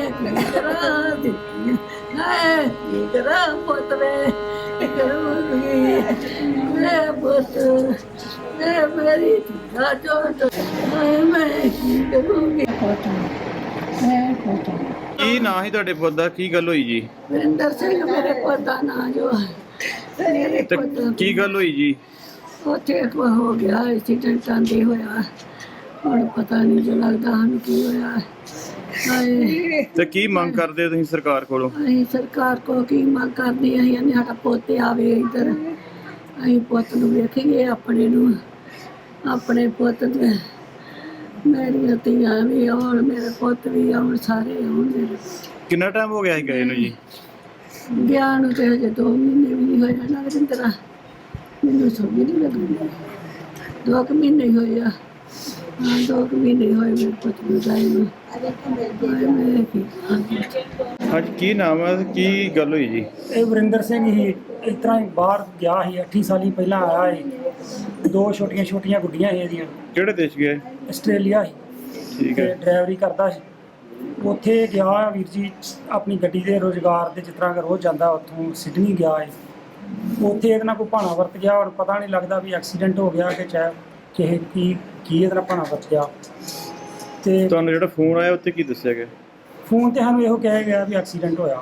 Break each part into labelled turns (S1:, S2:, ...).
S1: करा पुत मैं पुत मेरी चोट मैं की करूँगी मैं पुत
S2: ਕੀ ਨਾਂ ਸੀ ਤੁਹਾਡੇ ਪੁੱਤ ਦਾ? ਕੀ ਗੱਲ ਹੋਈ ਜੀ?
S1: वरिंदर सिंह मेरे पुत का नाम जो है मेरे
S2: ਤੇ
S1: पुत
S2: ਕੀ ਗੱਲ ਹੋਈ ਜੀ?
S1: ਉੱਥੇ ਹੋ ਗਿਆ ਐਕਸੀਡੈਂਟ ਆਂਦੇ ਹੋਇਆ ਹੁਣ ਪਤਾ ਨਹੀਂ ਜੋ ਲੱਗਦਾ ਸਾਨੂੰ ਕੀ ਹੋਇਆ ਹਾਏ
S2: ਤੇ ਕੀ ਮੰਗ ਕਰਦੇ ਹੋ ਤੁਸੀਂ ਸਰਕਾਰ ਕੋਲੋਂ?
S1: ਅਸੀਂ ਸਰਕਾਰ ਕੋ ਕੀ ਮੰਗ ਕਰਦੇ ਅਸੀਂ ਕਹਿੰਦੇ ਸਾਡਾ ਪੁੱਤ ਆਵੇ ਇੱਧਰ ਅਸੀਂ ਪੁੱਤ ਨੂੰ ਵੇਖੀਏ ਆਪਣੇ ਪੁੱਤ ਦੇ ਮੇਰੀਆਂ ਧੀਆਂ ਵੀ ਆਉਣ ਮੇਰੇ ਪੁੱਤ ਵੀ ਆਉਣ ਸਾਰੇ ਆਉਣ ਮੇਰੇ
S2: ਕਿੰਨਾ ਟਾਈਮ ਹੋ ਗਿਆ ਸੀ ਗਏ ਨੂੰ ਜੀ?
S1: ਗਿਆ ਨੂੰ ਤੇ ਹਜੇ 2 ਮਹੀਨੇ ਵੀ ਨਹੀਂ ਹੋਏ ਨਾ ਵਰਿੰਦਰਾ ਮੈਨੂੰ ਸਮਝ ਨਹੀਂ ਲੱਗਦੀ 2 ਮਹੀਨੇ ਹੀ ਹੋਏ ਆ ਹਾਂ 2 ਮਹੀਨੇ ਹੋਏ ਮੇਰੇ ਪੁੱਤ ਨੂੰ ਜਾਏ ਨੂੰ ਮੈਂ ਕੀ
S2: ਅੱਜ ਕੀ ਨਾਮ ਹੈ? ਕੀ ਗੱਲ ਹੋਈ ਜੀ?
S3: ਇਹ ਵਰਿੰਦਰ ਸਿੰਘ ਹੀ ਇਸ ਤਰ੍ਹਾਂ ਹੀ ਬਾਹਰ ਗਿਆ ਸੀ 8 ਸਾਲੀ ਪਹਿਲਾਂ ਆਇਆ ਸੀ 2 ਛੋਟੀਆਂ ਗੁੱਡੀਆਂ ਸੀ ਇਹਦੀਆਂ।
S2: ਕਿਹੜੇ ਦੇਸ਼ ਗਏ?
S3: ਆਸਟ੍ਰੇਲੀਆ ਸੀ
S2: ਠੀਕ
S3: ਤੇ
S2: ਹੈ।
S3: ਡਰਾਈਵਰੀ ਕਰਦਾ ਸੀ। ਉੱਥੇ ਗਿਆ ਵੀਰ ਜੀ ਆਪਣੀ ਗੱਡੀ ਦੇ ਰੁਜ਼ਗਾਰ ਦੇ ਜਿਸ ਤਰ੍ਹਾਂ ਕਿ ਰੋਜ਼ ਜਾਂਦਾ ਉੱਥੋਂ ਸਿਡਨੀ ਗਿਆ ਹੈ। ਉੱਥੇ ਇਹਦੇ ਨਾਲ ਕੋਈ ਭਾਣਾ ਵਰਤ ਗਿਆ ਔਰ ਪਤਾ ਨਹੀਂ ਲੱਗਦਾ ਵੀ ਐਕਸੀਡੈਂਟ ਹੋ ਗਿਆ ਕਿ ਚਾਹੇ ਕਿਸੇ ਕੀ ਇਹਦੇ ਨਾਲ ਭਾਣਾ ਵਰਤ ਗਿਆ। ਤੇ
S2: ਤੁਹਾਨੂੰ ਜਿਹੜਾ ਫੋਨ ਆਇਆ ਉੱਤੇ ਕੀ ਦੱਸਿਆ ਗਿਆ?
S3: ਫੋਨ ਤੇ ਸਾਨੂੰ ਇਹੋ ਕਿਹਾ ਗਿਆ ਵੀ ਐਕਸੀਡੈਂਟ ਹੋਇਆ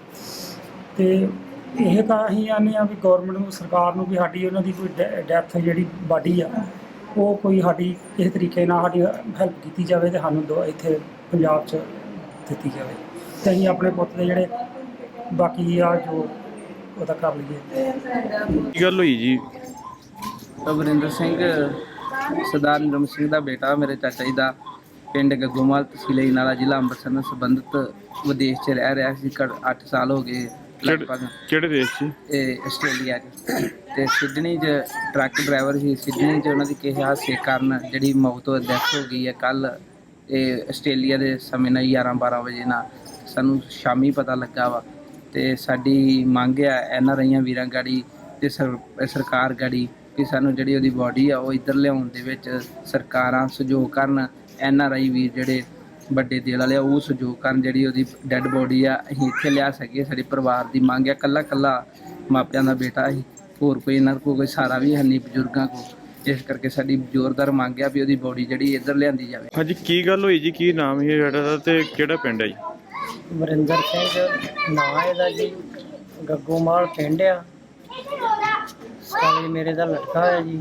S3: ਤੇ ਇਹ ਤਾਂ ਅਸੀਂ ਆਨੇ ਆ ਵੀ ਗੌਰਮੈਂਟ ਨੂੰ ਸਰਕਾਰ ਨੂੰ ਵੀ ਸਾਡੀ ਉਹਨਾਂ ਦੀ ਕੋਈ ਡੈਥ ਜਿਹੜੀ ਬਾਡੀ ਆ ਉਹ ਕੋਈ ਸਾਡੀ ਕਿਸੇ ਤਰੀਕੇ ਨਾਲ ਸਾਡੀ ਹੈਲਪ ਕੀਤੀ ਜਾਵੇ ਤੇ ਸਾਨੂੰ ਇੱਥੇ ਪੰਜਾਬ 'ਚ ਦਿੱਤੀ ਜਾਵੇ ਤੇ ਅਸੀਂ ਆਪਣੇ ਪੁੱਤ ਦੇ ਜਿਹੜੇ ਬਾਕੀ ਆ ਜੋ ਉਹਦਾ ਕਰ ਲਈਏ।
S2: ਕੀ ਗੱਲ ਹੋਈ ਜੀ?
S4: ਵਰਿੰਦਰ ਸਿੰਘ ਸਰਦਾਰ ਨਿਰਮ ਸਿੰਘ ਦਾ ਬੇਟਾ ਮੇਰੇ ਚਾਚਾ ਜੀ ਦਾ ਪਿੰਡ ਗੱਗੋਮਾਲ ਤਹਿਸੀਲ ਅਜਨਾਲਾ ਜ਼ਿਲ੍ਹਾ ਅੰਮ੍ਰਿਤਸਰ ਨਾਲ ਸੰਬੰਧਿਤ ਵਿਦੇਸ਼ 'ਚ ਰਹਿ ਰਿਹਾ ਸੀ। 8 ਸਾਲ ਹੋ ਗਏ ਲਗਭਗ।
S2: ਕਿਹੜੇ ਦੇਸ਼ 'ਚ?
S4: ਇਹ ਆਸਟ੍ਰੇਲੀਆ 'ਚ ਤੇ ਸਿਡਨੀ 'ਚ ਟਰੱਕ ਡਰਾਈਵਰ ਸੀ। ਸਿਡਨੀ 'ਚ ਉਹਨਾਂ ਦੀ ਕਿਸੇ ਹਾਦਸੇ ਕਾਰਨ ਜਿਹੜੀ ਮੌਤ ਹੋ ਡੈਥ ਹੋ ਗਈ ਹੈ ਕੱਲ੍ਹ। ਇਹ ਆਸਟ੍ਰੇਲੀਆ ਦੇ ਸਮੇਂ ਨਾਲ 11-12 ਵਜੇ ਨਾਲ ਸਾਨੂੰ ਸ਼ਾਮੀ ਪਤਾ ਲੱਗਾ ਵਾ। ਤੇ ਸਾਡੀ ਮੰਗ ਆ NRI ਵੀਰਾਂ ਗਾੜੀ ਤੇ ਸਰਕਾਰ ਗਾੜੀ ਕਿ ਸਾਨੂੰ ਜਿਹੜੀ ਉਹਦੀ ਬਾਡੀ ਆ ਉਹ ਇੱਧਰ ਲਿਆਉਣ ਦੇ ਵਿੱਚ ਸਰਕਾਰਾਂ ਸਹਿਯੋਗ ਕਰਨ। NRI ਵੀਰ ਜਿਹੜੇ ਵੱਡੇ ਦਿਲ ਵਾਲੇ ਆ ਉਹ ਸਹਿਯੋਗ ਕਰਨ, ਜਿਹੜੀ ਉਹਦੀ ਡੈੱਡ ਬੋਡੀ ਆ ਅਸੀਂ ਇੱਥੇ ਲਿਆ ਸਕੀਏ। ਸਾਡੇ ਪਰਿਵਾਰ ਦੀ ਮੰਗ ਆ। ਕੱਲਾ ਮਾਪਿਆਂ ਦਾ ਬੇਟਾ ਸੀ, ਹੋਰ ਕੋਈ ਇਹਨਾਂ ਕੋਲ ਕੋਈ ਸਹਾਰਾ ਵੀ ਹੈ ਨਹੀਂ ਬਜ਼ੁਰਗਾਂ ਕੋਲ। ਇਸ ਕਰਕੇ ਸਾਡੀ ਜ਼ੋਰਦਾਰ ਮੰਗ ਆ ਵੀ ਉਹਦੀ ਬੋਡੀ ਜਿਹੜੀ ਇੱਧਰ ਲਿਆਂਦੀ ਜਾਵੇ।
S2: ਹਾਂਜੀ ਕੀ ਗੱਲ ਹੋਈ ਜੀ? ਕੀ ਨਾਮ ਹੈ ਜਿਹੜਾ ਦਾ ਤੇ ਕਿਹੜਾ ਪਿੰਡ ਹੈ ਜੀ?
S3: ਵਰਿੰਦਰ ਸਿੰਘ ਨਾਂ ਇਹਦਾ ਜੀ, ਗੱਗੋਮਾਲ ਪਿੰਡ ਆ। ਸਾਲੇ ਮੇਰੇ ਦਾ ਲੜਕਾ ਹੈ ਜੀ।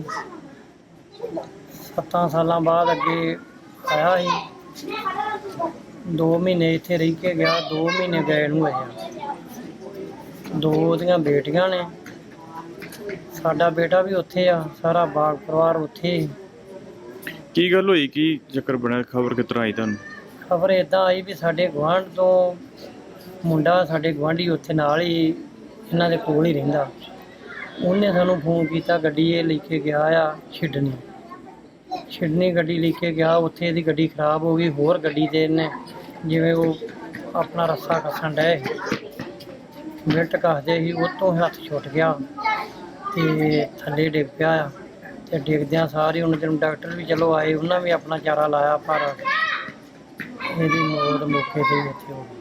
S3: 7 ਸਾਲਾਂ ਬਾਅਦ ਅੱਗੇ ਆਇਆ ਸੀ। 2 ਮਹੀਨੇ ਇੱਥੇ ਰਹਿ ਕੇ ਗਿਆ। 2 ਮਹੀਨੇ ਗਏ ਨੂੰ ਹੋਏ ਆ। 2 ਉਹਦੀਆਂ ਬੇਟੀਆਂ ਨੇ। ਸਾਡਾ ਬੇਟਾ ਵੀ ਉੱਥੇ ਆ। ਸਾਰਾ ਬਾਗ ਪਰਿਵਾਰ ਉੱਥੇ।
S2: ਕੀ ਗੱਲ ਹੋਈ? ਕੀ ਚੱਕਰ ਬਣਿਆ? ਖਬਰ ਕਿਸ ਤਰ੍ਹਾਂ ਆਈ ਤੁਹਾਨੂੰ?
S3: ਖਬਰ ਇੱਦਾਂ ਆਈ ਵੀ ਸਾਡੇ ਗੁਆਂਢ ਤੋਂ ਮੁੰਡਾ, ਸਾਡੇ ਗੁਆਂਢੀ ਉੱਥੇ ਨਾਲ ਹੀ ਇਹਨਾਂ ਦੇ ਕੋਲ ਹੀ ਰਹਿੰਦਾ। ਉਹਨੇ ਸਾਨੂੰ ਫੋਨ ਕੀਤਾ। ਗੱਡੀ ਇਹ ਲੈ ਕੇ ਗਿਆ ਆ ਛਿੜਨੀ ਗੱਡੀ ਲੈ ਕੇ ਗਿਆ। ਉੱਥੇ ਇਹਦੀ ਗੱਡੀ ਖਰਾਬ ਹੋ ਗਈ। ਹੋਰ ਗੱਡੀ ਤੇ ਇਹਨੇ ਜਿਵੇਂ ਉਹ ਆਪਣਾ ਰੱਸਾ ਕੱਸਣ ਡਏ ਮਿੰਟ ਕੱਸਦੇ ਸੀ, ਉਹ ਤੋਂ ਹੱਥ ਛੁੱਟ ਗਿਆ ਤੇ ਥੱਲੇ ਡਿੱਗ ਪਿਆ ਆ। ਤੇ ਡਿੱਗਦਿਆਂ ਸਾਰੇ ਉਹਨਾਂ ਦਿਨ ਡਾਕਟਰ ਵੀ ਚਲੋ ਆਏ, ਉਹਨਾਂ ਵੀ ਆਪਣਾ ਚਾਰਾ ਲਾਇਆ, ਪਰ ਇਹਦੀ ਮੌਤ ਮੌਕੇ 'ਤੇ ਹੀ ਉੱਥੇ ਹੋ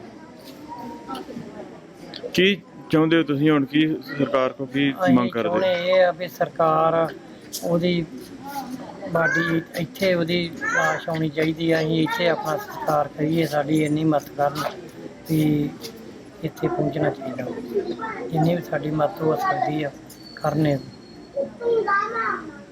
S3: ਗਈ।
S2: ਕੀ ਚਾਹੁੰਦੇ ਹੋ ਤੁਸੀਂ ਹੁਣ? ਕੀ ਸਰਕਾਰ ਕੋਲ ਕੀ ਮੰਗ ਕਰਦੇ?
S3: ਚਾਹੁੰਦੇ ਇਹ ਆ ਵੀ ਸਰਕਾਰ ਉਹਦੀ ਬਾਡੀ ਇੱਥੇ ਉਹਦੀ ਲਾਸ਼ ਆਉਣੀ ਚਾਹੀਦੀ ਆ। ਅਸੀਂ ਇੱਥੇ ਆਪਣਾ ਸਤਿਕਾਰ ਕਰੀਏ। ਸਾਡੀ ਇੰਨੀ ਮਦਦ ਕਰਨ ਵੀ ਇੱਥੇ ਪਹੁੰਚਣਾ ਚਾਹੀਦਾ। ਜਿੰਨੀ ਵੀ ਸਾਡੀ ਮਦਦ ਹੋ ਸਕਦੀ ਆ ਕਰਨੇ।